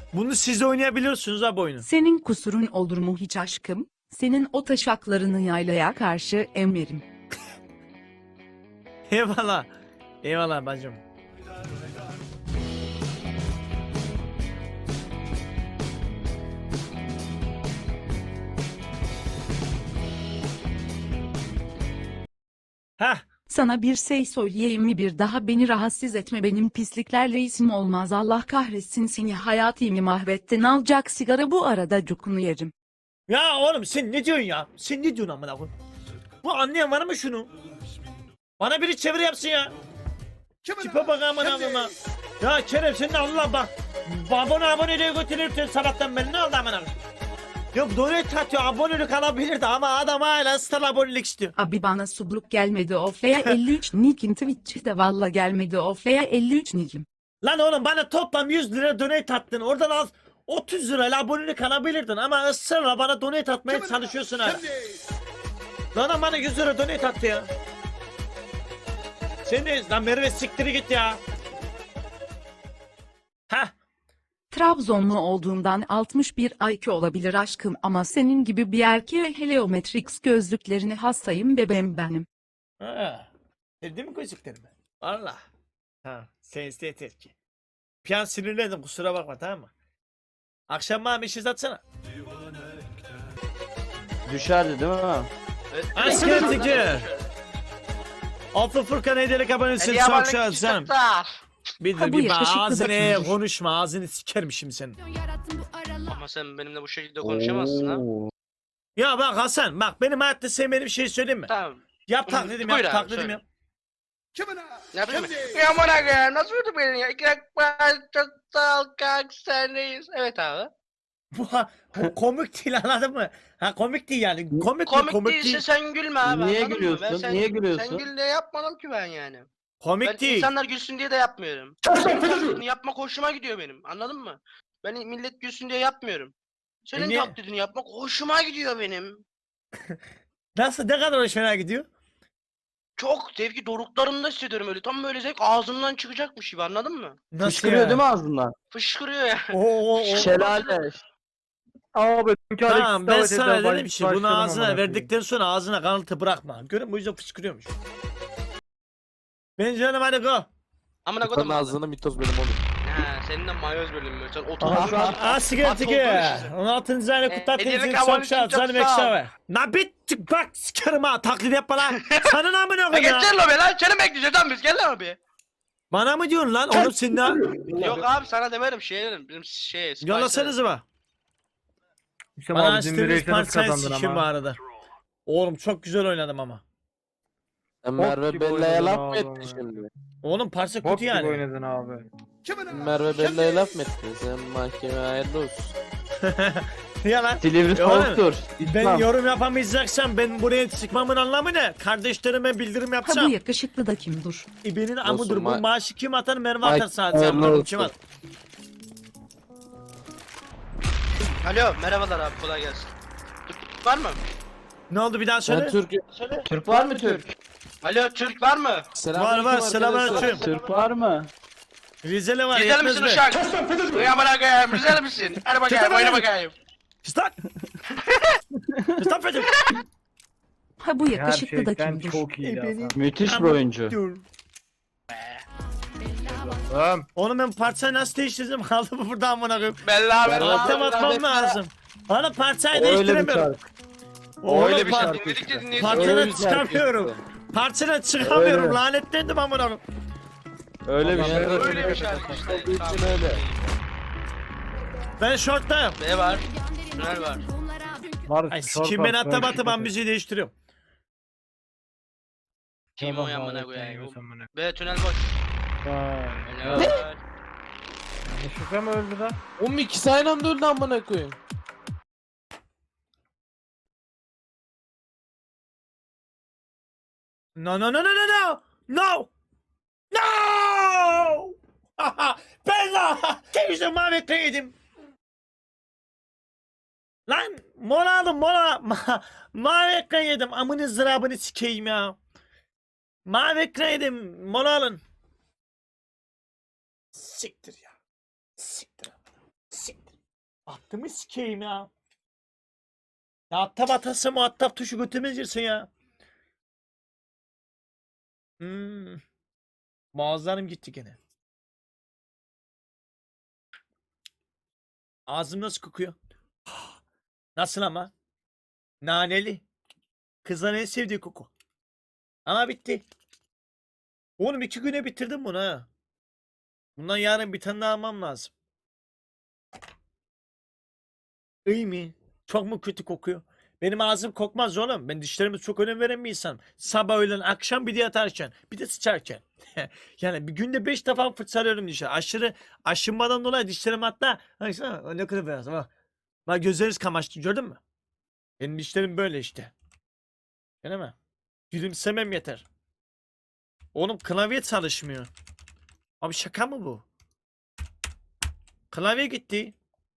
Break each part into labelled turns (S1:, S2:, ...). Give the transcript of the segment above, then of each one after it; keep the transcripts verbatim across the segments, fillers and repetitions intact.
S1: Bunu siz oynayabiliyorsunuz ha bu oyunu.
S2: Senin kusurun olur mu hiç aşkım? Senin o taşaklarını yaylaya karşı emerim.
S1: Eyvallah. Eyvallah bacım. Hah.
S2: Sana bir şey söyleyeyim mi, bir daha beni rahatsız etme, benim pisliklerle isim olmaz, Allah kahretsin seni, hayatımı mahvettin, alacak sigara bu arada cukunu yerim.
S1: Ya oğlum sen ne diyorsun ya? Sen ne diyorsun amına koyayım? Bu anlayan var mı şunu? Bana biri çeviri yapsın ya. Tipe bak amına koyayım. Ya Kerem sen de Allah bak. Abone aboneliğe götürürsün sabahtan beri, ne oldu amına koyayım? Yok donate atıyor, abonelik alabilirdi ama adam hala star abonelik istiyor.
S2: Abi bana subluk gelmedi ofleya elli üç nikim, Twitch'te valla gelmedi ofleya elli üç nikim.
S1: Lan oğlum bana toplam yüz lira donate attın. Oradan az otuz lirayla abonelik alabilirdin ama ısrarla bana donate atmaya çalışıyorsun hala. Lan bana yüz lira donate attı ya. Sen de lan Merve siktiri git ya. Hah.
S2: Trabzonlu olduğundan altmış bir I Q olabilir aşkım ama senin gibi bir erkeğe Heliometrix gözlüklerini hastayım bebeğim benim.
S1: Ha. Sevdin mi gözlüklerimi? Valla. Ha. Sen yeter ki. Bir an sinirlendim, kusura bakma, tamam mı? Akşam bana mesaj atsana.
S3: Düşerdi değil mi?
S1: Asker Tigir. Altı Furkan hediyelik abonesi çok şahit canım. Bir
S2: Ha,
S1: de
S2: bu
S1: bir
S2: yakışıklı
S1: ağzını
S2: bakımcı.
S1: konuşma, ağzını sikerim şimdi senin.
S4: Ama sen benimle bu şekilde konuşamazsın ha.
S3: Oo.
S1: Ya bak Hasan, bak benim hayatta sevmediğim bir şey söyleyeyim mi?
S4: Tamam.
S1: Yap taklidim,
S4: Buyur
S1: yap
S4: abi,
S1: taklidim
S4: söyle.
S1: yap.
S4: Ne yapayım ben? Ya bana gel, nasıl vurdu beni ya? İki dakika çok sağ ol kanka, sendeyiz. Evet abi.
S1: Bu, ha- bu komik değil, anladın mı? Ha komik değil yani. Komik, mi?
S4: Komik,
S1: komik
S4: değilse
S1: değil.
S4: sen gülme abi,
S3: Niye
S4: anladın mı?
S3: gülüyorsun?
S4: Ben sen,
S3: Niye gülüyorsun?
S4: Sen gül diye yapmadım ki ben yani.
S1: Komik
S4: Ben
S1: değil.
S4: insanlar gülsün diye de yapmıyorum. Senin taklidini yapmak hoşuma gidiyor benim, anladın mı? Ben millet gülsün diye yapmıyorum. Senin
S1: E niye?
S4: taklidini yapmak hoşuma gidiyor benim.
S1: Nasıl, ne kadar hoşuna gidiyor?
S4: Çok zevki doruklarımda hissediyorum öyle. Tam böyle zevk ağzımdan çıkacakmış gibi, anladın mı?
S1: Nasıl
S3: Fışkırıyor
S1: ya?
S3: değil mi ağzından?
S4: Fışkırıyor ya.
S1: Oo, oo, oo.
S3: Şelale.
S5: Abi
S1: Tamam ben sana dedim ki bunu ağzına verdikten sonra ağzına kanıtı bırakma. Görün bu yüzden fışkırıyormuş. Ben canım hadi go.
S4: Amına koydum.
S6: Senin ağzını mitoz benim oğlum.
S4: Ha, senin de mayoz bölümü. Sen otur.
S1: Aa sigara tiki. on altıncı ayını
S4: E,
S1: kutlattığınız
S4: hediyelik
S1: için çok
S4: abone için
S1: şahit.
S4: çok
S1: Canım
S4: sağ ol.
S1: ekşave. Na bit bak sikerim ha, taklit yapma lan. Sana ne amına
S4: Ya
S1: koyayım ya?
S4: geçer lo be lan. Seni bekleyeceğiz lan biz. Gel lan abi.
S1: Bana mı diyorsun lan oğlum sen ne?
S4: Yok abi sana demedim. Şey dedim. Bizim şey.
S1: Yollasanıza bak.
S5: İşte
S1: Bana
S5: abi dün bir
S1: açtığınız
S5: reyse nasıl
S1: parçayı
S5: kazandın
S1: sikim bu
S5: ama.
S1: arada. Oğlum çok güzel oynadım ama.
S6: Sen Merve
S5: gibi
S6: Bella'ya
S5: oynadın
S6: laf mı
S5: abi
S6: ettin
S5: ama.
S6: şimdi?
S1: Oğlum parça
S5: Bok
S1: kötü
S5: gibi
S1: yani.
S5: oynadın abi.
S6: Merve Bella'ya laf mı ettin? Sen mahkemeye hayırlı olsun.
S1: Ya lan.
S3: Silivri
S1: E oğlum,
S3: soğuktur.
S1: Ben
S3: İslam.
S1: yorum yapamayacaksam ben buraya çıkmamın anlamı ne? Kardeşlerime bildirim
S2: Ha bu
S1: yapacağım.
S2: yakışıklı da kim dur?
S1: İbenin amıdır. Bu
S6: ma-
S1: maaşı kim atar? Merve
S6: Ay,
S1: atar sadece.
S6: hayırlı
S1: Amına
S6: olsun.
S1: kim at?
S4: Alo merhabalar abi kolay gelsin. Türk var mı?
S1: Ne oldu bir daha
S6: Ben
S1: söyle.
S6: Türk...
S4: Söyle.
S3: Türk var mı Türk?
S4: Alo Türk var mı?
S1: Var var, selamünaleyküm.
S3: Türk var mı?
S1: Rizeli var,
S4: Rizeli
S1: yetmez
S4: misin
S1: mi?
S4: uşak? Uyan bana gel. Rizeli misin? Hadi bakayım oyna bakayım.
S1: Stop! Stop Recep!
S2: Ha bu yakışıklı da
S5: Gerçekten
S2: kim dur?
S5: çok iyiydi Hasan.
S3: Müthiş bir oyuncu.
S1: Dur.
S5: Tamam.
S1: Oğlum ben parçayı nasıl değiştirdim? Kaldı mı burada amına koyayım?
S4: Belli abi.
S6: Merhaba.
S1: Altta batmam lazım. Bana parçayı
S3: Öyle bir
S1: değiştiremiyorum.
S3: şarkı.
S1: Oğlum
S3: Öyle bir
S1: par-
S3: şarkı.
S4: Dinledikçe dinleyici.
S1: Parçadan
S3: Öyle bir şarkı
S1: çıkamıyorum.
S3: işte.
S1: Parçadan çıkamıyorum.
S3: Öyle.
S1: Lanetlendim amına koyayım.
S3: Öyle bir
S6: Ama
S3: şarkı.
S4: Öyle bir şarkı işte.
S6: Olduğu için öyle.
S1: Ben şorttayım.
S4: B var. Tünel var.
S5: Var.
S1: Ay
S5: sor
S1: sikim ben
S5: bak,
S1: hatta
S5: ben
S1: batı ben
S5: şirkete.
S1: müziği değiştiriyorum.
S4: Kim
S5: Tamam
S4: o yan
S5: abi,
S4: bana
S5: sen
S4: koyayım?
S5: yiyorsan bana.
S4: B tünel boş.
S5: Vay.
S4: Helal.
S5: Yanlışlıkla mı öldü lan?
S6: Oğlum ikisi aynı anda öldü amına koyayım.
S1: No no no no no no! No! No! Bella! Temizle mavi ekran yedim. Lan mola aldım mola. Ma mavi ekran yedim. Amını zırabını sikeyim ya. Mavi ekran yedim. Mola alın. Siktir ya. Siktir. Siktir. Battımı sikeyim ya. Ya attap atası muhatap tuşu götürmeyeceksin ya. Hmm. Boğazlarım gitti gene. Ağzım nasıl kokuyor? Nasıl ama? Naneli. Kızların en sevdiği koku. Ama bitti. Oğlum iki güne bitirdim bunu ha. Bundan yarın bir tane daha almam lazım. İyi mi? Çok mu kötü kokuyor? Benim ağzım kokmaz oğlum. Ben dişlerime çok önem veren bir insanım. Sabah, öğlen, akşam bir de yatarken. Bir de sıçarken. Yani bir günde beş defa fırçalıyorum dişleri. Aşırı aşınmadan dolayı dişlerim hatta. Baksana ne kadar beyaz. Bak. Bak gözleriniz kamaştı gördün mü? Benim dişlerim böyle işte. Değil mi? Gülümsemem yeter. Oğlum klavye çalışmıyor. Abi şaka mı bu? Klavye gitti.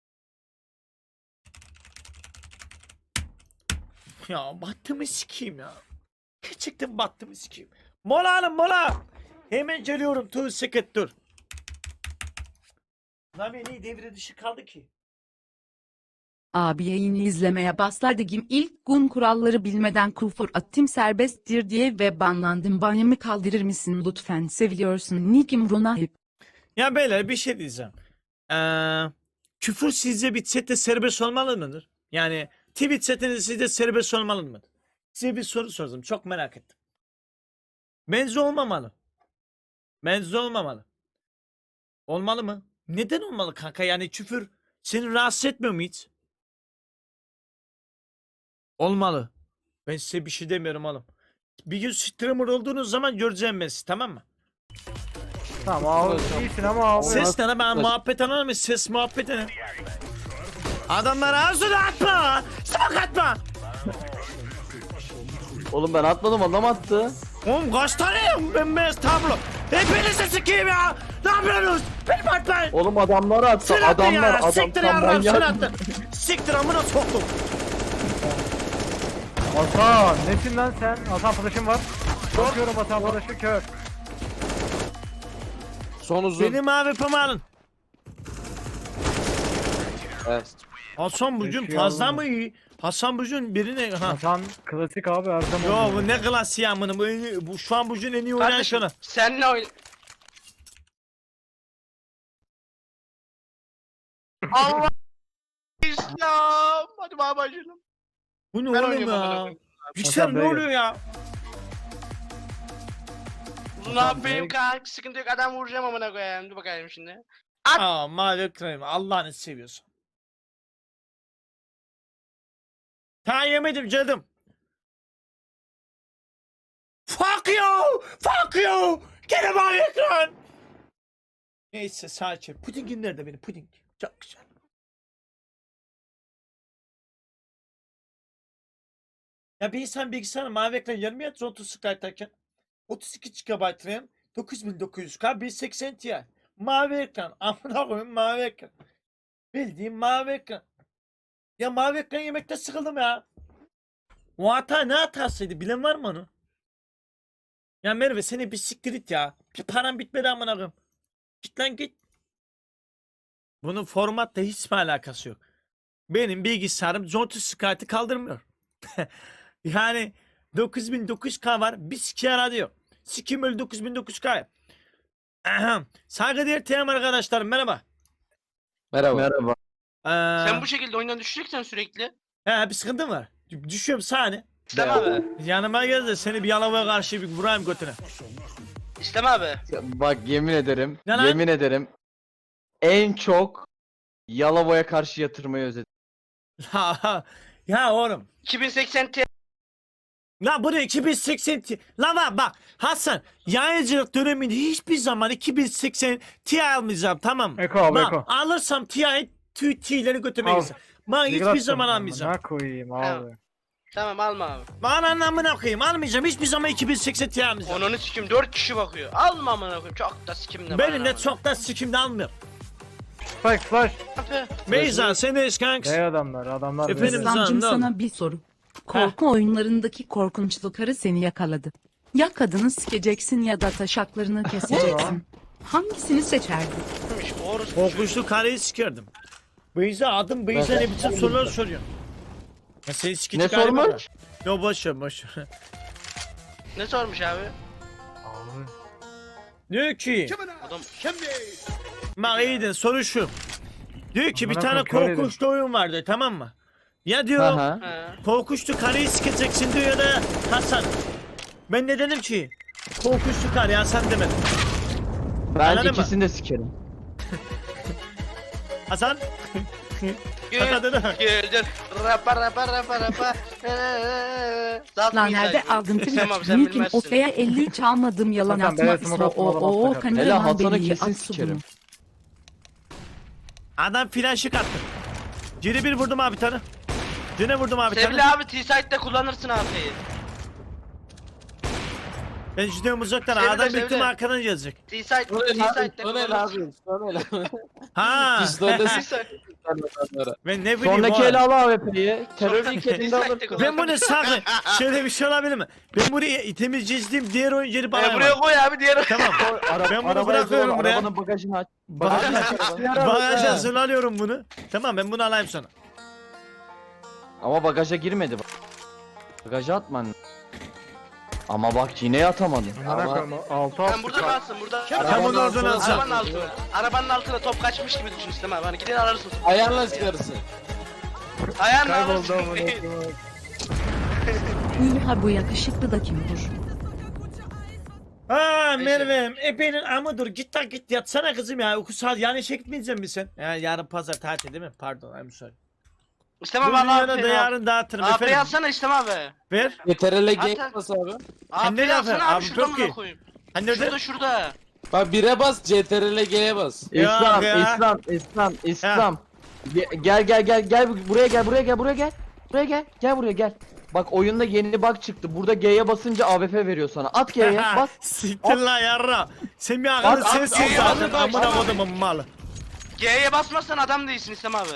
S1: Ya battımı sikeyim ya. Gerçekten battımı sikeyim. Mola hanım mola. Hemen geliyorum. Two second dur. Lan beni devre dışı kaldı ki.
S2: Abi yayını izlemeye başladım. İlk gün kuralları bilmeden küfür attım serbesttir diye ve banlandım. Banyamı kaldırır mısın lütfen? Seviyorsun. Nikim Runahip.
S1: Ya beyler bir şey diyeceğim. Ee, küfür sizce bir chatte serbest olmalı mıdır? Yani Twitch chatinde sizce serbest olmalı mıdır? Size bir soru sordum. Çok merak ettim. Bence olmamalı. Bence olmamalı. Olmalı mı? Neden olmalı kanka? Yani küfür seni rahatsız etmiyor mu hiç? Olmalı. Ben size bir şey demiyorum oğlum. Bir gün streamer olduğunuz zaman göreceğim ben sizi, tamam mı?
S5: Tamam abi iyisin ama abi.
S1: Ses ne ben muhabbet anlar mı? Ses muhabbet ne? Adamlara ağzını atma! Smoke atma!
S3: Oğlum ben atmadım adam attı.
S1: Oğlum kaç tane bembeyaz tablo? Hepinizi sikeyim ya! Ne yapıyorsunuz? Benim atmayın!
S3: Oğlum adamlar attı.
S1: Sen attın
S3: Adamlar
S1: ya!
S3: adam
S1: Siktir
S3: tam
S1: ya! Sen
S3: manyak.
S1: attın! Siktir amına soktum!
S5: Hasan nesin lan sen? Hasan arkadaşım var. Bakıyorum Hasan arkadaşı kör.
S6: Son uzun.
S1: Benim abi alın.
S6: Evet.
S1: Hasan bugün
S5: Yaşıyor
S1: fazla
S5: oğlum.
S1: mı iyi? Hasan bugün birine... Ha.
S5: Hasan klasik abi her zaman.
S1: Yo bu
S5: oluyor.
S1: ne klasiği amına bu, en iyi- bu şu an bugün en iyi oynayan
S4: Kardeşim
S1: şunu.
S4: senle oyna. Allah İslam. Hadi babacığım.
S1: Bu ne
S4: Ben
S1: oğlum
S4: oynuyorum amına
S1: ya?
S4: koyayım.
S1: Yüksel
S5: Hasan
S1: ne
S5: Bey.
S1: oluyor ya?
S4: Uzun abi benim kanka sıkıntı yok adam vuracağım amına koyayım. Dur bakayım şimdi.
S1: Aa mavi ekranım Allah'ını seviyorsun. Ta yemedim canım. Fuck you! Fuck you! Gene mavi ekran! Neyse sadece pudingin nerede benim puding? Çok güzel. Ya bir insan bilgisayarına mavi ekran yarım yatır otuz sıkaytarken otuz iki gigabayt RAM dokuz bin dokuz yüz K bir seksen Ti mavi ekran amına koyayım mavi ekran bildiğim mavi ekran ya mavi ekran yemekte sıkıldım ya o hata ne hatasıydı bilen var mı onu ya Merve seni bir siktir it ya bir param bitmedi amına koyayım git lan git bunun formatla hiç mi alakası yok benim bilgisayarım otuz sıkaytı kaldırmıyor yani dokuz bin dokuz yüz K var bir sikiye radyo sikim öyle dokuz bin dokuz yüz K Ahem. Saygıdeğer T M arkadaşlar merhaba.
S6: Merhaba.
S3: Merhaba.
S1: Ee,
S4: Sen bu şekilde oyundan düşeceksen sürekli.
S1: he, bir sıkıntın var. D- Düşüyorum sahne.
S4: İslam abi.
S1: Yanıma gel de seni bir yalavaya karşı bir vurayım götüne.
S4: İslam abi.
S3: Bak yemin ederim.
S1: Ne lan?
S3: Yemin ederim. En çok Yalova'ya karşı yatırmayı özledim.
S1: ya oğlum.
S4: iki bin seksen Ti.
S1: La bu ne iki bin seksen Ti. La bak bak Hasan yayıncılık döneminde hiçbir zaman iki bin seksen Ti almayacağım tamam mı?
S5: Eko abi
S1: Bak,
S5: Eko.
S1: alırsam Ti'yi tüy T'leri götüme
S5: Al.
S1: gitsin. Ben hiçbir
S5: Yıkılattım.
S1: zaman almayacağım.
S5: Ne koyayım abi.
S4: Tamam. Tamam alma abi.
S1: Bana anlamına koyayım almayacağım. Hiçbir zaman iki bin seksen Ti almayacağım.
S4: Onunu sikim dört kişi bakıyor. Alma amına koyayım. Çok da sikimde.
S1: Benim de çok da sikimde almıyorum.
S5: Spike flash.
S1: Beyza sen de kanks.
S5: Ne adamlar adamlar.
S1: Efendim?
S5: böyle.
S2: İslamcım
S1: Canım,
S2: sana bir soru. Korku oyunlarındaki korkunçlu karı seni yakaladı. Ya kadını sikeceksin ya da taşaklarını keseceksin. Hangisini seçerdin?
S4: Orası.
S1: Korkunçlu kareyi sikerdim. Beyza adım Beyza ne biçim sorular soruyor. Ya seni sikici
S3: Ne
S1: galiba
S3: sormuş?
S1: da. Yo boş ver boş ver.
S4: Ne sormuş abi?
S5: Abi.
S1: Diyor ki
S4: Adam
S1: bak iyiydin soru şu. Diyor ki bir
S5: Amına
S1: tane
S5: koyayım, kör
S1: korkunçlu oyun vardı tamam mı? Ya diyor
S3: Aha.
S4: He.
S1: korkunçlu karıyı sikeceksin diyor ya da Hasan. Ben de dedim ki korkunçlu karı Hasan demedim.
S3: Ben
S1: Anladın mı?
S3: ikisini de sikerim.
S1: Hasan.
S4: Gül,
S1: Anladın mı?
S4: güldür. Rapa rapa rapa rapa. Zat
S2: Lan
S4: mıydı
S2: nerede
S4: acaba?
S2: aldın
S4: Tamam,
S2: Twitch?
S4: sen
S2: Nick'im
S4: bilmezsin.
S2: Ofe'ye elli üç almadım yalan
S5: Hasan,
S2: atma.
S5: beyaz smoke
S2: İso
S5: atma,
S2: o
S5: adam
S2: o
S5: atma.
S2: kameraman
S3: Hele Hasan'ı
S2: beni
S3: kesin
S2: at
S3: sikerim.
S2: bunu.
S1: Adam flaşık attı. Ciri bir vurdum abi tane. Cine vurdum abi
S4: Sevgili
S1: tane.
S4: abi T-Site'de kullanırsın AP'yi.
S1: Ben gidiyorum uzaktan.
S4: Sevile,
S1: Adam bitti mi
S4: sevile.
S1: arkadan gelecek.
S4: T-Site,
S6: O ne lan?
S4: T-Site'de
S6: O ne
S4: kullanırsın.
S6: lan? O ne lan?
S1: Ha.
S6: Pistolde
S4: T-Site.
S1: Ben ne bileyim
S3: Sonraki
S1: o.
S3: ele al A W P'yi. Terör
S4: Sonraki
S3: ilk elinde
S4: T-Site'de
S3: alırsın.
S4: kullan.
S1: Ben bunu sakın. Şöyle bir şey olabilir mi? Ben buraya itemiz çizdiğim diğer oyuncuları bana
S4: E, buraya koy abi diğer.
S1: Tamam.
S3: Ara,
S1: Ben bunu
S3: arabaya
S1: bırakıyorum
S3: zor,
S1: buraya.
S3: Arabanın bagajını aç.
S1: Bagaj,
S3: Bagajını aç.
S1: bagaja hazırlıyorum bunu. Tamam ben bunu alayım sana.
S3: Ama bagaja girmedi bak. Bagaja atman. Ama bak yine atamadın.
S5: Amına
S6: Ama-
S5: koyayım. Altı
S4: Sen
S5: altı.
S4: burada kalsın burada.
S1: Tam onu oradan alacağım.
S4: Arabanın altına. Arabanın altına top kaçmış gibi düşün İslam abi. Hani gidin ararsın.
S6: Ayağınla çıkarırsın.
S4: Ayağınla
S5: Kayboldu
S4: alırsın.
S5: amına koyayım.
S2: Ünha bu yakışıklı da kimdir?
S1: Ha
S4: Neyse.
S1: Merve'm epeğinin amı dur git lan git yatsana kızım ya uyku saat yani işe gitmeyecek misin sen? Ya yarın pazar tatil değil mi? Pardon I'm sorry.
S4: İslam
S1: Bu
S4: abi Allah
S1: dünyada da
S4: affet.
S1: yarın dağıtırım
S4: AP'yi
S1: efendim.
S4: alsana İslam abi.
S1: Ver.
S6: Yeterli
S4: Hatta-
S6: gank bas abi.
S1: Sen ne
S4: AP'yi
S1: lafı?
S4: alsana abi
S1: Abi
S4: şurada
S1: çok
S4: mı
S1: iyi.
S4: koyayım?
S1: Hani nerede?
S4: Şurada şurada.
S6: Bak bire bas C T R L G'ye bas.
S3: İslam,
S1: ya.
S3: İslam, İslam, İslam. Ge- Gel gel gel gel buraya gel buraya gel buraya gel. Buraya gel. Gel buraya gel. Bak oyunda yeni bug çıktı. Burada G'ye basınca A W P veriyor sana. At G'ye bas.
S1: Siktir lan yarra. Sen bir akıllı
S3: At, at,
S1: sensin
S4: at,
S1: zaten
S4: at, at,
S1: amına
S4: at.
S1: kodumun malı.
S4: G'ye basmazsan adam değilsin İslam abi.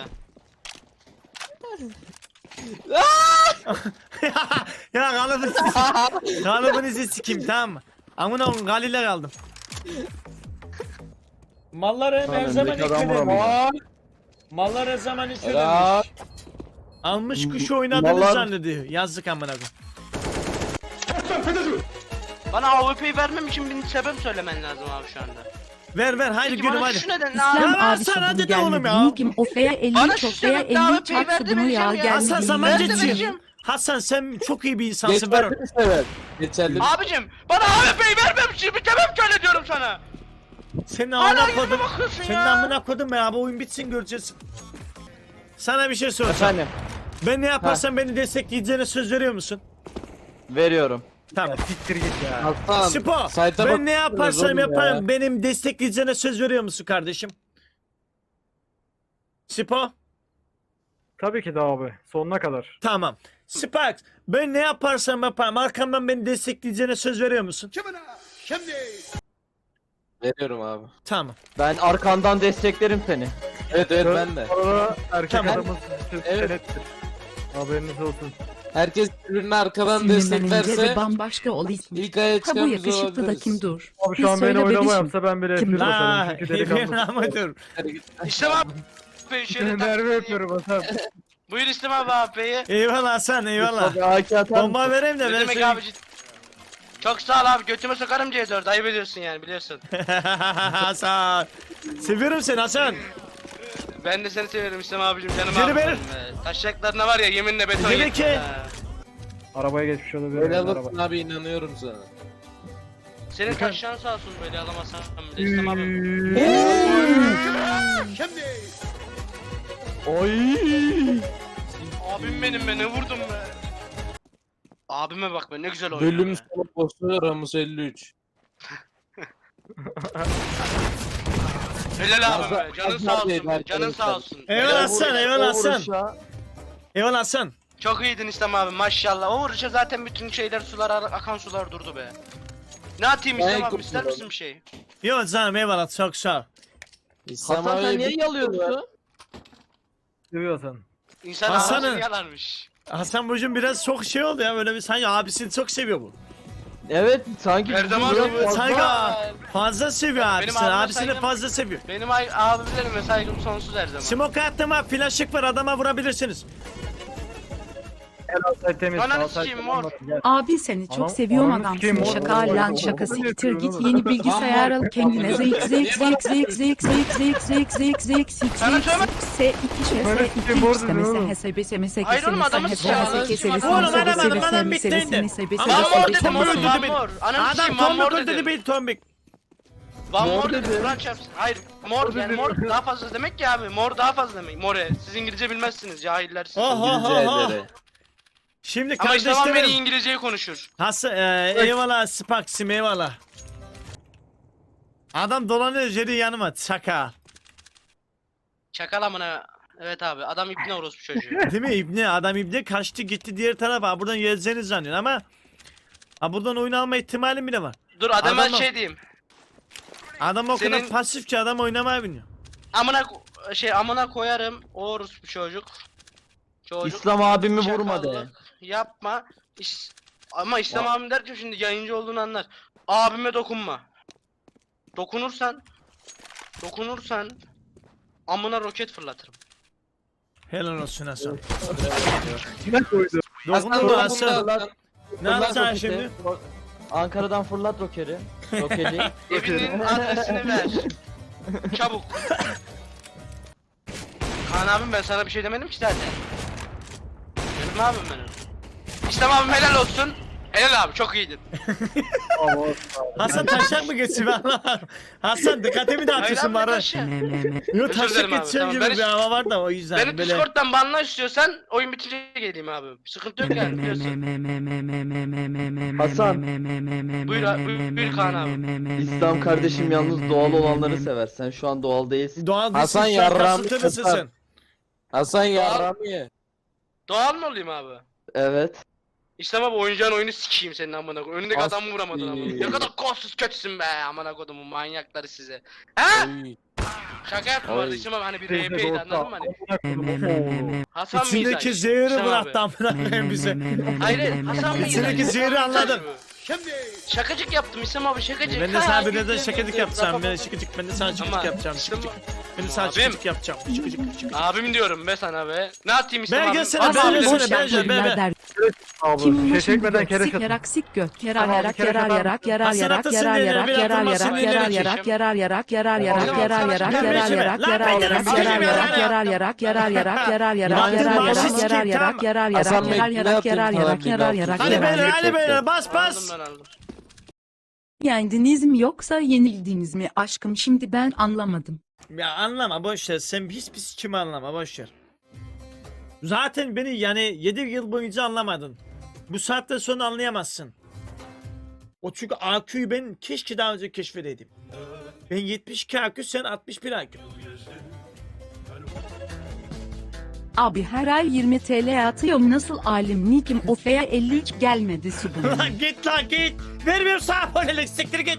S1: Ya kalıbını sikeyim. Kalıbınızı sikeyim tamam mı? Amına oğlum galile kaldım. Mallar hem her
S3: Lan
S1: zaman
S3: öndeki adam
S1: yüklenmiş.
S3: vuramıyor.
S1: Mallar her zaman
S6: Helal.
S1: yüklenmiş. Almış kuşu oynadığını
S3: Mallar-
S1: zannediyor. Yazık amına koyayım.
S4: Bana A W P'yi vermem için bir sebep söylemen lazım abi şu anda.
S1: Ver ver haydi
S4: Peki
S1: gülüm
S4: bana
S1: hadi.
S4: şu neden ne
S2: İslam
S4: abi?
S1: Ya
S2: abi
S1: sen
S2: sabun
S1: hadi de oğlum
S2: gelmedi.
S1: ya.
S2: Nick'im Ofe'ye elli
S4: Bana
S2: üç
S4: şu
S2: Ofe'ye
S4: sebepte
S2: elli
S4: A
S2: üç
S4: W P'yi
S2: çarptı
S4: ver
S2: bunu ya
S4: demeyeceğim ya.
S2: gelmedi.
S1: Hasan sen
S4: Ben de
S1: bence çiğ.
S4: vereceğim.
S1: Hasan sen çok iyi bir insansın ver onu.
S6: Geçerli bir sebep. Geçerli bir
S4: Abicim bana A W P'yi vermem için bir sebep söyle diyorum sana.
S1: Senin
S4: Hala
S1: amına
S4: yüzüme
S1: kodum.
S4: bakıyorsun
S1: Senin
S4: ya.
S1: amına kodum be abi oyun bitsin göreceğiz. Sana bir şey soracağım.
S3: Efendim
S1: Ben ne yaparsam beni destekleyeceğine söz veriyor musun?
S3: veriyorum.
S1: Tamam.
S5: Siktir git ya.
S6: Hasan.
S1: Spo,
S6: sayta
S1: ben ne
S6: bakıyoruz
S1: yaparsam
S6: oğlum ya.
S1: yaparım benim destekleyeceğine söz veriyor musun kardeşim? Spo,
S5: Tabii ki de abi. Sonuna kadar.
S1: tamam. Sparks, ben ne yaparsam yaparım arkamdan beni destekleyeceğine söz veriyor musun?
S6: Veriyorum abi.
S1: Tamam.
S3: Ben arkandan desteklerim seni.
S6: Evet evet ben de.
S5: Sonra erkek
S1: Tamam.
S5: adamın
S6: Evet.
S5: senettir. Haberiniz olsun.
S6: Herkes birbirine arkadan
S2: Sinirlenince de
S6: desteklerse
S2: bambaşka ol ismi.
S6: ilk aya
S2: Ha bu
S6: çıkan biz
S2: yakışıklı da
S6: olabiliriz.
S2: kim dur?
S5: Abi
S2: Bir
S5: şu an beni
S2: söyle
S5: oynama
S2: bebişim.
S5: yapsa ben bile
S2: Kim?
S5: F bir basarım.
S1: La,
S5: Çünkü delikanlı.
S1: ama dur.
S4: İslam abi. Şöyle
S5: Seni
S4: tak-
S5: nerve yapıyorum Hasan.
S4: Buyur İslam abi A P'yi.
S1: Eyvallah Hasan, eyvallah.
S3: Tabii A K atar
S1: Bomba
S3: mısın?
S1: vereyim de
S4: Ne
S1: ben
S4: demek
S1: seni...
S4: abi cid- Çok sağ ol abi götüme sokarım C dört ayıp ediyorsun yani biliyorsun.
S1: Hasan. Seviyorum seni Hasan.
S4: Ben de seni seviyorum İslam abicim canım
S1: Seni
S4: abim.
S1: ver.
S4: benim be. Taşacaklarına var ya yeminle beton
S1: Seni
S4: yettim
S1: ki-
S4: ha.
S5: Arabaya geçmiş olabilir.
S6: Böyle
S5: Araba.
S6: alırsın abi inanıyorum sana.
S4: Senin taşacağın sağ olsun böyle alamazsan bile İslam abim.
S3: Oy.
S4: Abim benim be ne vurdum be. Abime bak be ne güzel oynuyor
S6: Bölüm
S4: be.
S6: sonu boşluğu Ramus elli üç.
S4: Helal abim be
S6: Fazla-
S4: canın
S6: fazla
S4: sağ olsun
S6: değil
S4: be canın
S6: arkadaşlar.
S4: sağ olsun.
S1: Eyvallah
S4: Helal.
S1: Hasan, eyvallah
S3: O
S1: Hasan.
S3: vuruşa-
S1: Eyvallah Hasan.
S4: Çok iyiydin İslam abi maşallah. O vuruşa zaten bütün şeyler sular akan sular durdu be. Ne atayım
S6: Ben
S4: İslam abi
S6: kurtuldum.
S4: ister misin bir şey?
S1: Yok canım eyvallah çok sağ ol.
S6: İslam
S3: Hasan sen
S6: abi
S3: niye
S6: bir-
S3: yalıyorsun?
S5: Seviyor Hasan.
S4: İnsan
S1: Hasan'ın-
S4: ağzını yalarmış.
S1: Hasan bugün biraz çok şey oldu ya böyle bir sanki abisini çok seviyor bu.
S3: Evet sanki
S4: Her zaman
S3: bizim
S4: seviyor.
S3: fazla-
S1: Saygı fazla seviyor
S4: Benim
S1: abisini.
S4: abime
S1: Abisini
S4: saygım-
S1: fazla seviyor.
S4: Benim ay- abilerime saygım sonsuz her zaman.
S1: Smoke attım ha. Flaşık var, adama vurabilirsiniz.
S5: Gel Altay temiz.
S4: Ananı
S5: Altay
S4: sikeyim,
S5: temiz,
S4: mor.
S5: gel.
S2: Abi seni çok
S5: Anam-
S2: seviyorum
S5: ananı
S2: adam.
S5: sikeyim,
S2: Seni
S5: oğlum.
S2: şaka lan şaka siktir git yeni bilgisayar al kendine zeyk zeyk zeyk zeyk zeyk zeyk zeyk zeyk zeyk zeyk zeyk
S4: Sana
S2: zeyk
S4: söyle-
S2: S iki şey
S5: Böyle
S2: S
S5: sikeyim,
S2: iki
S5: borcu
S2: istemese
S5: oğlum.
S2: hesebe semese
S4: Hayır oğlum, adamı sikeyim, adamı sikeyim.
S1: Oğlum adam adam adam bitti indi. Ama
S4: Van mor
S1: Tombik
S4: dedim oğlum,
S1: öldürdü
S4: Van
S1: beni.
S4: mor. Ananı
S1: Adam
S4: sikeyim, Van mor
S1: Tombik öldürdü
S4: dedim.
S1: beni Tombik.
S4: Van
S3: Mor
S4: mor
S3: dedi.
S4: dedim. Kur'an çarpsın. Hayır. Mor yani mor daha fazla demek ki abi. Mor daha fazla demek. More. Siz İngilizce bilmezsiniz cahiller siz.
S1: Oh, oh,
S6: İngilizce
S1: oh, oh.
S6: ederi.
S1: Şimdi
S4: Ama işte beni
S1: kardeşlerim.
S4: İngilizceyi konuşur.
S1: Hasan e, eyvallah Spax'im eyvallah. Adam dolanıyor Jerry yanıma şaka.
S4: Çakal amına. Evet abi adam ipne orospu çocuğu.
S1: Değil mi İbni? Adam İbni kaçtı gitti diğer tarafa. Buradan gezeceğini zannediyor ama ha, buradan oyun alma ihtimalim bile var.
S4: Dur adama
S1: Adamı-
S4: şey diyeyim.
S1: Adam o kadar
S4: Senin-
S1: pasif ki adam oynamaya biniyor.
S4: Amına ko- şey amına koyarım o orospu çocuk. Çocuk.
S3: İslam abimi vurma de.
S4: Çakallık yapma. İş... Ama İslam abim derken şimdi yayıncı olduğunu anlar. Abime dokunma. Dokunursan dokunursan amına roket fırlatırım.
S1: Helal olsun Hasan.
S5: Ne koydu?
S1: Dokundun mu Hasan?
S3: Fırlat-
S1: Ne
S3: fırlat
S1: yapacaksın
S3: roketi.
S1: şimdi?
S3: Ankara'dan fırlat rokeri. Roketi.
S4: Evinin adresini ver. Çabuk. Kaan abim ben sana bir şey demedim ki zaten. Benim abim benim. İslam abim helal olsun. Helal abi çok iyiydin.
S1: Hasan taşak mı geçsin ben anlamadım. Hasan dikkatimi dağıtıyorsun bana.
S4: taşı.
S1: Yok
S4: Özür
S1: taşak
S4: dilerim abi,
S1: geçeceğim
S4: tamam.
S1: gibi
S4: Ben
S1: bir
S4: hiç-
S1: hava var da o yüzden
S4: Beni
S1: böyle.
S4: Discord'dan banla istiyorsan oyun bitince geleyim abi. Sıkıntı yok yani biliyorsun.
S3: Hasan.
S4: Buyur abi, buyur, buyur Kaan abi.
S3: İslam kardeşim yalnız doğal olanları sever. Sen şu an doğal değilsin.
S1: Doğal
S6: Hasan
S1: değilsin şu an
S6: yarrağımı
S1: kasıtlı mısın
S6: kırtar.
S1: sen?
S6: Hasan yarrağımı ye.
S4: Doğal mı olayım abi?
S3: Evet.
S4: İslam abi oyuncağın oyunu sikeyim senin amına koyayım. Önündeki
S6: As-
S4: adamı vuramadın amına.
S6: İyi.
S4: Ne kadar kolsuz kötüsün be amına kodumun manyakları size. He?
S6: Oy.
S4: Şaka yaptım
S6: Oy.
S4: orada İslam abi hani bir
S5: Teyze
S4: R P'ydi
S5: dostu,
S4: anladın mı hani?
S5: amına koydum.
S4: Hasan mıyız?
S1: İçindeki zehri bıraktı amına koyayım bize.
S4: Hayır hayır Hasan mıyız?
S1: İçindeki zehri anladım.
S4: Şakacık yaptım İslam abi şakacık.
S1: Ben de
S4: Ha,
S1: sana bir
S4: güldüm,
S1: de şakacık
S4: güldüm.
S1: yapacağım. Ben de şakacık, ben de sana şakacık
S4: Ama
S1: yapacağım.
S4: İslam-
S1: Şakacık. Ben de sana
S4: Abim.
S1: şakacık yapacağım. Şakacık, şakacık.
S4: Abim diyorum be sana be. Ne atayım İslam
S1: Ben
S4: abi?
S1: gelsene,
S4: Abi
S1: ben
S4: abi
S1: gelsene,
S4: demiş
S1: ben
S4: ya.
S1: gelsene. be, be.
S5: Abla,
S2: Kim
S5: şey
S2: şimdi
S5: çekmeden
S2: gök
S5: kere
S2: sik
S5: çatın.
S2: yarak sik gök yarar
S5: Tamam,
S2: yarak
S5: bir kere
S2: yarar
S5: kadar-
S2: yarak yarar
S1: Hasan
S2: yarak
S1: Atas'ın
S2: yarar
S1: elleri
S2: yarak
S1: bir
S2: yarar
S1: atılmasın,
S2: yarak
S1: elleri
S2: yarar
S1: çekeyim.
S2: yarak yarar yarak yarar
S4: Tamam,
S2: yarak
S4: tamam,
S2: yarar
S4: tamam,
S2: yarak
S4: tamam,
S2: yarar
S1: tamam,
S2: yarak
S1: tamam,
S2: yarar
S1: tamam,
S2: yarak
S1: tamam,
S2: yarar
S1: tamam,
S2: yarak
S1: tamam.
S2: yarar yarak yarar yarak yarar yarak
S1: Yaktın
S2: yarar
S1: başı
S2: yarak
S1: sikeyim,
S2: yarar
S1: tamam.
S2: yarak yarar
S6: Hasan
S2: yarak
S6: Bey,
S2: yarar
S6: ne
S2: yarak
S6: yapayım
S2: yarar
S6: sana
S2: yarak
S6: bir
S2: yarar
S6: laf?
S2: yarak
S1: Hadi
S2: yarar.
S1: beyler, hadi
S6: Gerçekten.
S1: beyler, bas
S4: Aldım
S1: bas.
S4: ben aldım.
S2: Yendiniz mi yoksa yenildiniz mi aşkım şimdi ben anlamadım.
S1: Ya anlama boş ver. Sen pis pis kimi anlama boş ver. Zaten beni yani yedi yıl boyunca anlamadın. Bu saatten sonra anlayamazsın. O çünkü A Q'yu ben keşke daha önce keşfedeydim. Ben yetmiş iki A Q, sen altmış bir A Q.
S2: Abi her ay yirmi TL atıyorum nasıl alim nikim ofeya elli üç gelmedi subun.
S1: Lan git lan git. Vermiyorum sana abonelik, siktir git.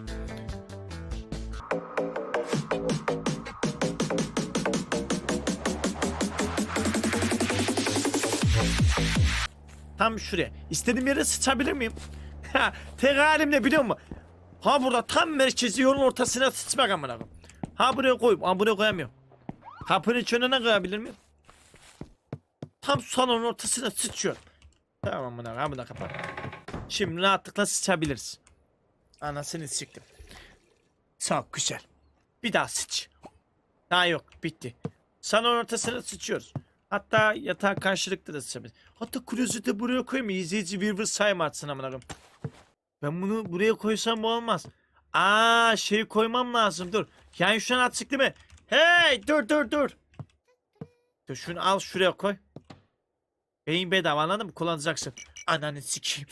S1: Tam şuraya. İstediğim yere sıçabilir miyim? Ha, tek halim ne biliyor musun? Ha burada tam merkezi yolun ortasına sıçmak amına koyayım. Ha buraya koyup, ha buraya koyamıyorum. Kapının içine koyabilir miyim? Tam salonun ortasına sıçıyor. Tamam amına koyayım, amına kapat. Şimdi rahatlıkla sıçabiliriz. Anasını siktim. Çok güzel. Bir daha sıç. Daha yok, bitti. Salon ortasına sıçıyoruz. Hatta yatağa karşılıklı da sıçabiliriz. Hatta klozeti buraya koyayım mı? İzleyici Weaver sayma atsın amına koyayım. Ben bunu buraya koysam bu olmaz. Aa şey koymam lazım, dur. Yani şu an açık değil mi? Hey dur dur dur. Dur şunu al şuraya koy. Beyin bedava, anladın mı? Kullanacaksın. Ananı sikeyim.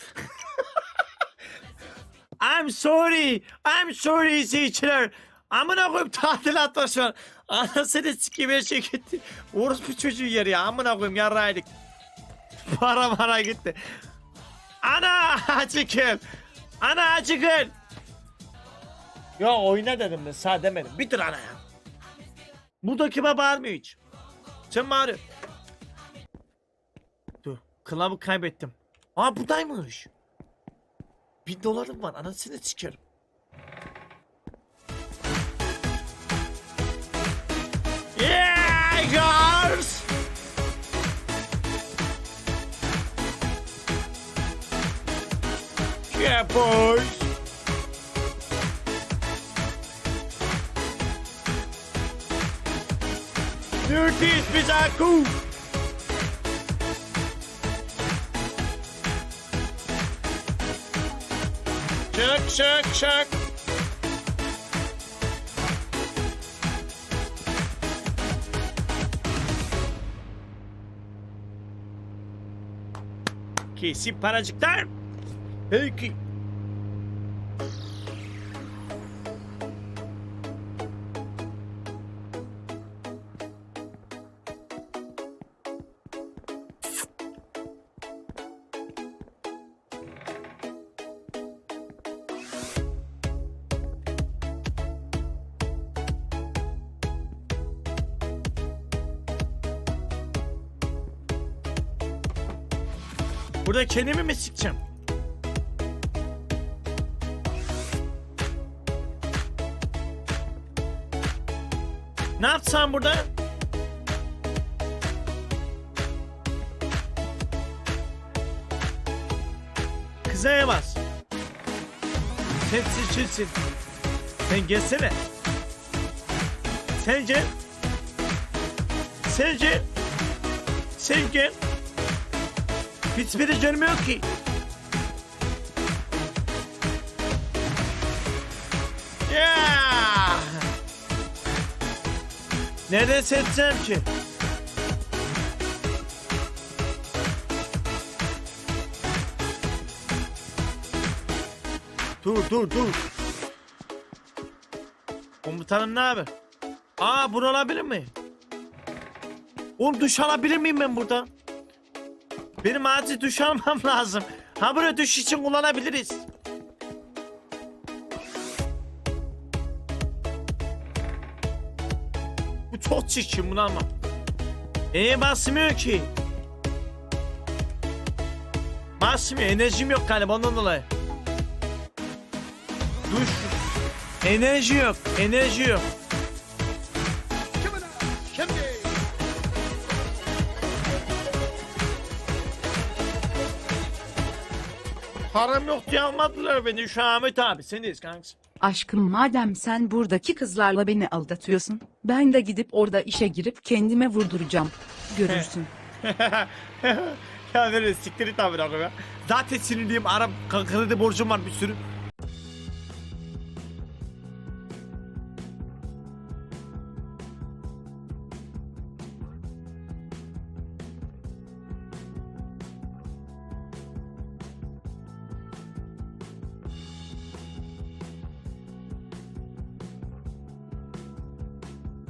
S1: I'm sorry. I'm sorry izleyiciler. Amına koyayım tadilat var şu an. Anasını sikeyim her şey gitti. Orospu çocuğu yer ya. Amına koyayım yarraydık. Para para gitti. Ana acıkın. Ana acıkın. Ya oyna dedim ben, sağ demedim. Bitir ana ya. Burada kime bağırmıyor hiç. Sen bağırıyor. Dur. Kılavı kaybettim. Aa buradaymış. bin dolarım var anasını sikerim. Yeah girls. Yeah boys. Dirty Bizaku. Çak çak çak. Kesin paracıklar. Peki. Burada kendimi mi sikeceğim? Ne yapsam burada? Kızaya bas. Sen seçilsin. Sen gelsene. Sen gel. Sen gel. Sen gel. Hiçbiri gelmiyor ki. Ya. Nereden seçsem ki? Dur dur dur. Komutanım ne haber? Aa bunu alabilir mi? Oğlum duş alabilir miyim ben burada? Benim acil duş almam lazım. Ha buraya duş için kullanabiliriz. Bu çok çirkin bunu almam. Eee basmıyor ki. Basmıyor enerjim yok galiba ondan dolayı. Duş. Enerji yok enerji yok. Param yok diye almadılar beni şu Ahmet abi seniz kanks.
S2: Aşkım madem sen buradaki kızlarla beni aldatıyorsun, ben de gidip orada işe girip kendime vurduracağım. Görürsün.
S1: Ya nereye siktir et abi ya. Zaten sinirliyim Arap kredi borcum var bir sürü.